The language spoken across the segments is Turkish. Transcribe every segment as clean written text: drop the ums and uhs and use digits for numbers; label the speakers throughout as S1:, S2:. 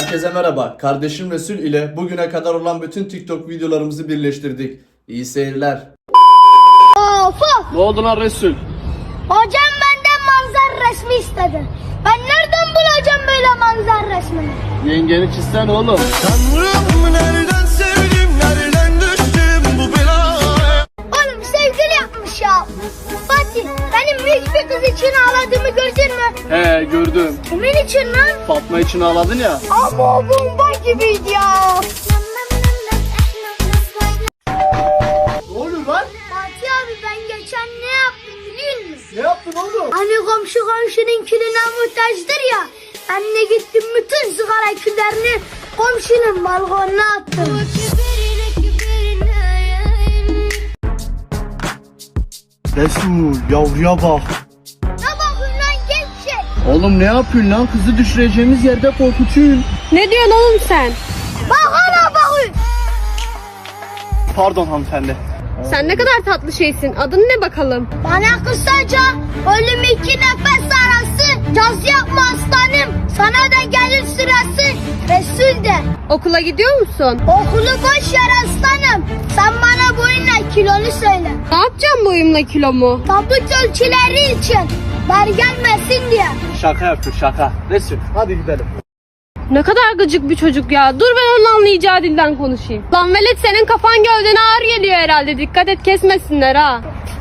S1: Herkese merhaba. Kardeşim Resul ile bugüne kadar olan bütün TikTok videolarımızı birleştirdik. İyi seyirler.
S2: Of!
S3: Ne oldu lan Resul?
S2: Hocam benden manzara resmi istedi. Ben nereden bulacağım böyle manzara resmini?
S3: Yengeni çizsen oğlum.
S4: Tanrım nereden sevdim, nereden düştüm bu belaya?
S2: Oğlum sevgili yapmış ya. Fatih, benim büyük bir kız için ağladığımı gördün mü?
S3: He gördüm.
S2: Kimin için lan?
S3: Fatma için ağladın ya.
S2: Ama o bomba gibiydi ya.
S3: Ne oluyor lan?
S2: Fatih abi ben geçen ne yaptım biliyor musun?
S3: Ne yaptın oğlum?
S2: Hani komşu komşunun külüne muhtaçtır ya. Ben de gittim bütün sigara küllerini komşunun balkonuna attım.
S3: Resul yavruya bak.
S2: Ne bakın lan gevşek.
S3: Oğlum ne yapıyorsun lan? Kızı düşüreceğimiz yerde korkutuyorsun.
S5: Ne diyorsun oğlum sen?
S2: Bak hala bakın.
S3: Pardon hanımefendi.
S5: Sen ne kadar tatlı şeysin. Adın ne bakalım?
S2: Bana kısaca ölüm iki nefes arası. Caz yapma aslanım. Sana da gelir sırası. Resul de.
S5: Okula gidiyor musun?
S2: Okulu boş ver aslanım. Sen bana boyunla kilonu söyle.
S5: Ne yapacağım boyumla kilomu?
S2: Tabut ölçüleri için. Dar gelmesin diye.
S3: Şaka yapıyor şaka. Resul hadi gidelim.
S5: Ne kadar gıcık bir çocuk ya. Dur ben onun anlayacağı dilden konuşayım. Lan velet senin kafan gövdene ağır geliyor herhalde. Dikkat et kesmesinler ha.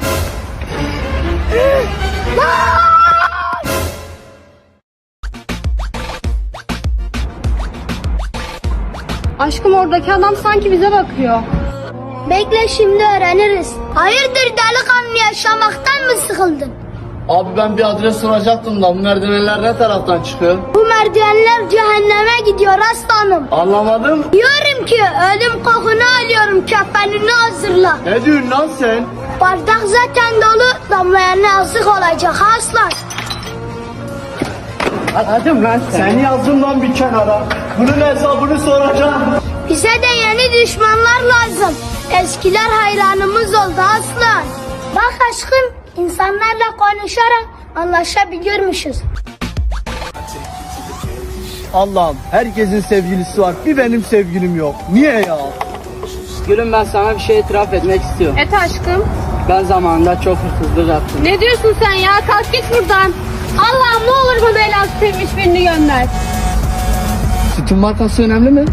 S5: Aşkım oradaki adam sanki bize bakıyor.
S2: Bekle şimdi öğreniriz. Hayırdır delikanlı yaşamaktan mı sıkıldın?
S3: Abi ben bir adres soracaktım da bu merdivenler ne taraftan çıkıyor?
S2: Bu merdivenler cehenneme gidiyor aslanım.
S3: Anlamadım.
S2: Diyorum ki ölüm kokunu alıyorum, kefenini hazırla.
S3: Ne diyorsun lan sen?
S2: Bardak zaten dolu, damlayan yazık olacak aslan.
S3: Hadi lan sen. Seni yazdım lan bir kenara. Bunun hesabını soracağım.
S2: Bize de yeni düşmanlar lazım. Eskiler hayranımız oldu aslan. Bak aşkım, insanlarla konuşarak anlaşabiliyormuşuz.
S3: Allah'ım herkesin sevgilisi var. Bir benim sevgilim yok. Niye ya? Gülüm ben sana bir şey itiraf etmek istiyorum.
S5: Et aşkım.
S3: Ben zamanında çok hırsızlık yaptım.
S5: Ne diyorsun sen ya? Kalk git buradan. Allah'ım ne olur bana el altı sevmiş birini gönder.
S3: Sütün markası önemli mi?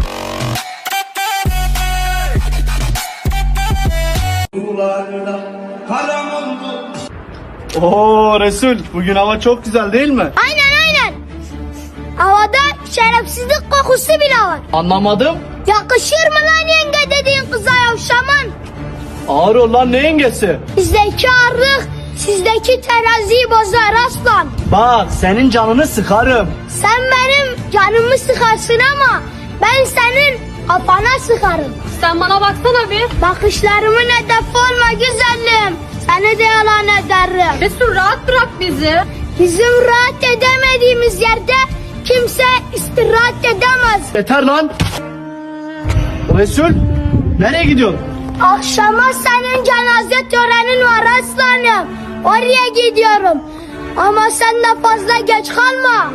S3: Oo Resul bugün hava çok güzel değil mi?
S2: Aynen. Havada şerefsizlik kokusu bile var.
S3: Anlamadım.
S2: Yakışır mı lan yenge dediğin kıza yavşaman?
S3: Ağır ol lan ne yengesi?
S2: Bizdeki ağırlık sizdeki teraziyi bozar aslan.
S3: Bak senin canını sıkarım.
S2: Sen benim canımı sıkarsın ama ben senin kafana sıkarım.
S5: Sen bana baksana bir.
S2: Bakışlarımın hedefi olma güzelim. Seni de yalan ederim.
S5: Resul rahat bırak bizi.
S2: Bizim rahat edemediğimiz yerde kimse istirahat edemez.
S3: Yeter lan. Resul nereye gidiyorsun?
S2: Akşama senin cenaze törenin var aslanım. Oraya gidiyorum. Ama sen de fazla geç kalma.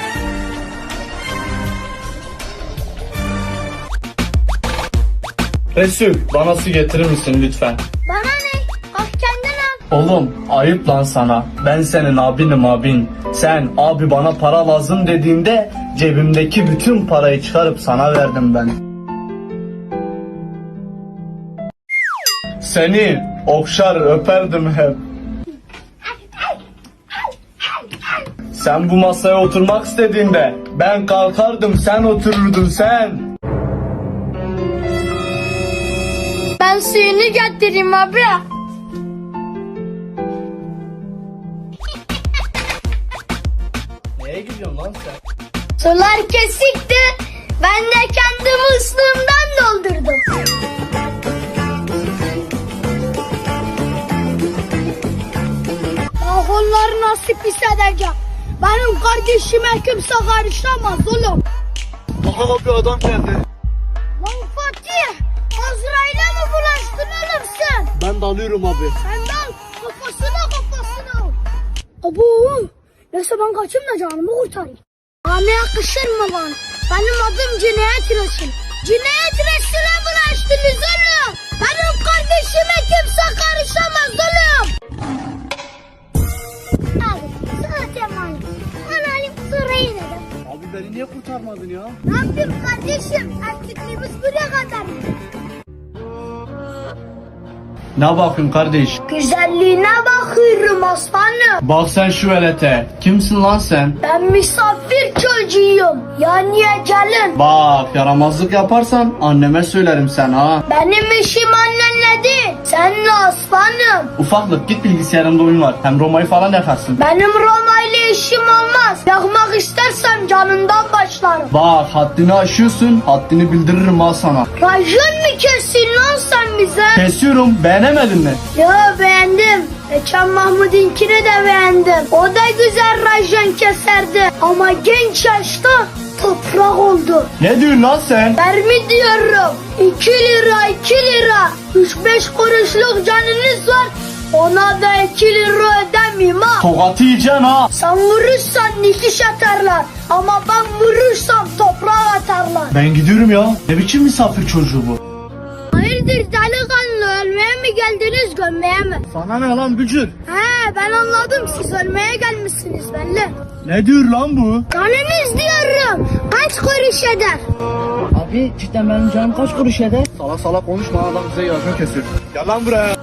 S3: Resul bana su getirir misin lütfen?
S2: Bana ne? Bak kendin al.
S3: Oğlum ayıp lan sana. Ben senin abinim abin. Sen abi bana para lazım dediğinde cebimdeki bütün parayı çıkarıp sana verdim ben. Seni okşar öperdim hep. Sen bu masaya oturmak istediğinde ben kalkardım sen otururdun sen.
S2: Ben suyunu getireyim abi.
S3: Neye gidiyorsun lan sen?
S2: Sular kesikti. Ben de kendi musluğumdan doldurdum. Ah onları nasip hissedeceğim. Benim kardeşime kimse karışamaz oğlum.
S3: Aha bir adam geldi.
S2: Lan Fatih, Azrail'e mi bulaştın oğlum sen?
S3: Ben dalıyorum abi.
S2: Sen de al, kafasına. Abo, neyse ben kaçayım da canımı kurtarayım. Bana yakışır mı lan? Benim adım Cinayet Resul. Cinayet Resul'e bulaştınız oğlum. Benim kardeşime kimse karışamaz oğlum. Abi zaten var. Analim sırayı dedim.
S3: Abi beni niye kurtarmadın ya?
S2: Ne yapayım kardeşim? Erkekliğimiz buraya kadar.
S3: Ne bakın kardeş?
S2: Güzelliğine bakıyorum aslanım.
S3: Bak sen şu velete. Kimsin lan sen?
S2: Ben misafir çocuğuyum. Yani gelin.
S3: Bak yaramazlık yaparsan anneme söylerim sen ha.
S2: Benim işim annenle değil. Seninle aslanım.
S3: Ufaklık git bilgisayarında oyun var. Hem Roma'yı falan yakarsın.
S2: Benim Roma ile işim olmaz. Yakmak istersem canından başlarım.
S3: Bak haddini aşıyorsun. Haddini bildiririm ha sana.
S2: Racon mu kessin lan sen bize?
S3: Kesiyorum. Beğenemedin mi?
S2: Yo beğendim. Geçen Mahmut'inkini de beğendim. O da güzel racon keserdi. Ama genç yaşta toprak oldu.
S3: Ne diyorsun lan sen?
S2: Vermi diyorum. 2 lira 2 lira. 3-5 kuruşluk canınız var. Ona da 2 lira ödemeyeyim ha.
S3: Tokatı yiyeceksin ha.
S2: Sen vurursan dikiş atarlar. Ama ben vurursam toprağa atarlar.
S3: Ben gidiyorum ya. Ne biçim misafir çocuğu bu?
S2: Hayırdır delikanlı, ölmeye mi geldiniz gömmeye mi?
S3: Sana ne lan bücür?
S2: He ben anladım, siz ölmeye gelmişsiniz belli.
S3: Ne diyor lan bu?
S2: Canınız diyorum. Kaç kuruş eder?
S3: Abi cidden benim canım kaç kuruş eder? Salak salak konuşma adam bize yazma kesiyor. Gel lan buraya.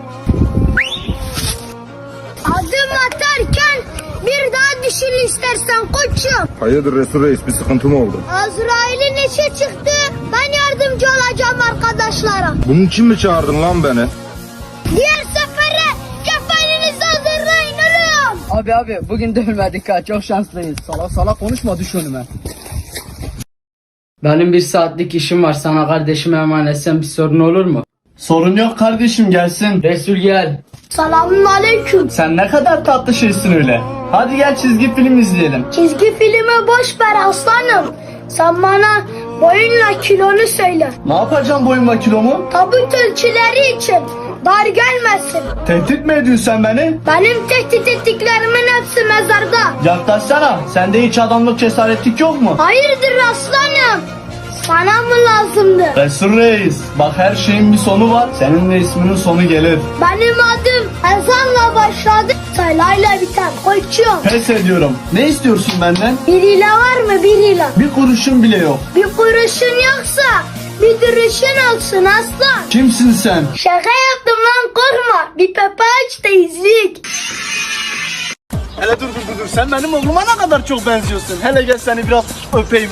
S2: Adım atarken bir daha düşün istersen koçum.
S6: Hayırdır Resul Reis, bir sıkıntı mı oldu?
S2: Azrail'in işi çıktı. Ben yardımcı olacağım arkadaşlara.
S6: Bunun için mi çağırdın lan beni?
S2: Diğer sefere kefeninizi hazırlayın oğlum.
S7: Abi bugün dövmedik ha, çok şanslıyız.
S3: Salak salak konuşma düş önüme.
S7: Benim 1 saatlik işim var, sana kardeşime emanetsem bir sorun olur mu?
S3: Sorun yok kardeşim gelsin.
S7: Resul gel.
S2: Selamun aleyküm.
S3: Sen ne kadar tatlı şeysin öyle. Hadi gel çizgi film izleyelim.
S2: Çizgi filmi boş ver aslanım. Sen bana boyunla kilonu söyle.
S3: Ne yapacağım boyumla kilomu?
S2: Tabut ölçüleri için dar gelmesin.
S3: Tehdit mi ediyorsun sen beni?
S2: Benim tehdit ettiklerimin hepsi mezarda.
S3: Yaklaşsana. Sende hiç adamlık cesaretlik yok mu?
S2: Hayırdır aslanım? Sana mı lazımdı?
S3: Resul Reis. Bak her şeyin bir sonu var. Senin de isminin sonu gelir.
S2: Benim adım ezanla başladı, saylayla biter koçum.
S3: Pes ediyorum. Ne istiyorsun benden?
S2: 1 lira var mı 1 lira?
S3: Bir kuruşun bile yok.
S2: Bir kuruşun yoksa bir duruşun olsun aslan.
S3: Kimsin sen?
S2: Şaka yaptım lan korkma. Bir pepe aç da izleyik.
S3: Hele dur. Sen benim oğluma ne kadar çok benziyorsun. Hele gel seni biraz öpeyim.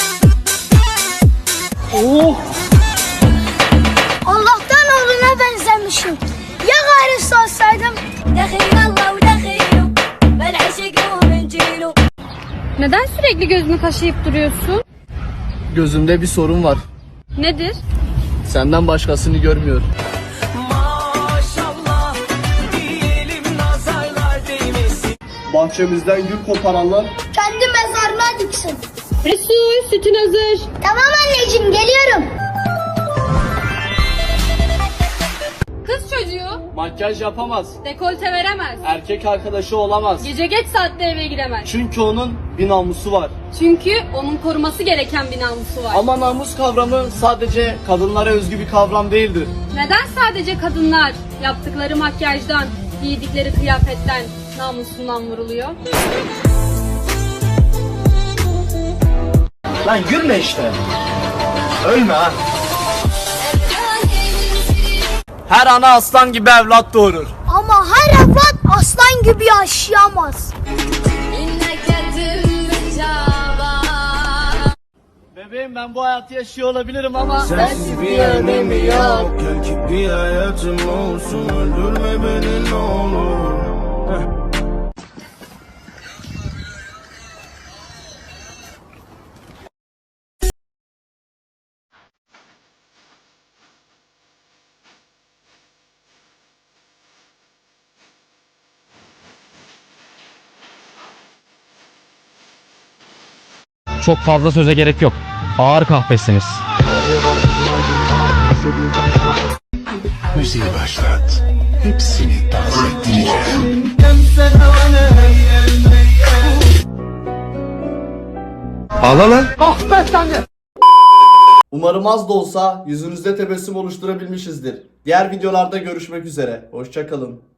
S3: Oh.
S2: Allah'tan oğluna benzemişim. Ya gayrısı olsaydım?
S5: Neden sürekli gözünü kaşıyıp duruyorsun?
S3: Gözümde bir sorun var.
S5: Nedir?
S3: Senden başkasını görmüyor. Bahçemizden gül koparanlar.
S2: Kendi mezarına diksin.
S5: Resul sütün hazır.
S2: Tamam anneciğim geliyorum.
S5: Kız çocuğu
S3: Makyaj yapamaz.
S5: dekolte veremez.
S3: Erkek arkadaşı olamaz.
S5: Gece geç saatte eve giremez.
S3: Çünkü onun bir namusu var.
S5: Çünkü onun koruması gereken bir namusu var.
S3: Ama namus kavramı sadece kadınlara özgü bir kavram değildir.
S5: Neden sadece kadınlar yaptıkları makyajdan, giydikleri kıyafetten namusundan vuruluyor?
S3: Lan gülme işte. Ölme ha. Her ana aslan gibi evlat doğurur.
S2: Ama her evlat aslan gibi yaşayamaz.
S3: Bebeğim ben bu hayatı yaşıyor olabilirim ama
S4: Sensiz bir önemi yok. Gel ki bir hayatım olsun. Öldürme beni ne olur.
S8: Çok fazla söze gerek yok. Ağır kahpesiniz.
S6: Müziği başlat. Hepsini dans ettireceğim. Ağla lan.
S1: Umarım az da olsa yüzünüzde tebessüm oluşturabilmişizdir. Diğer videolarda görüşmek üzere. Hoşça kalın.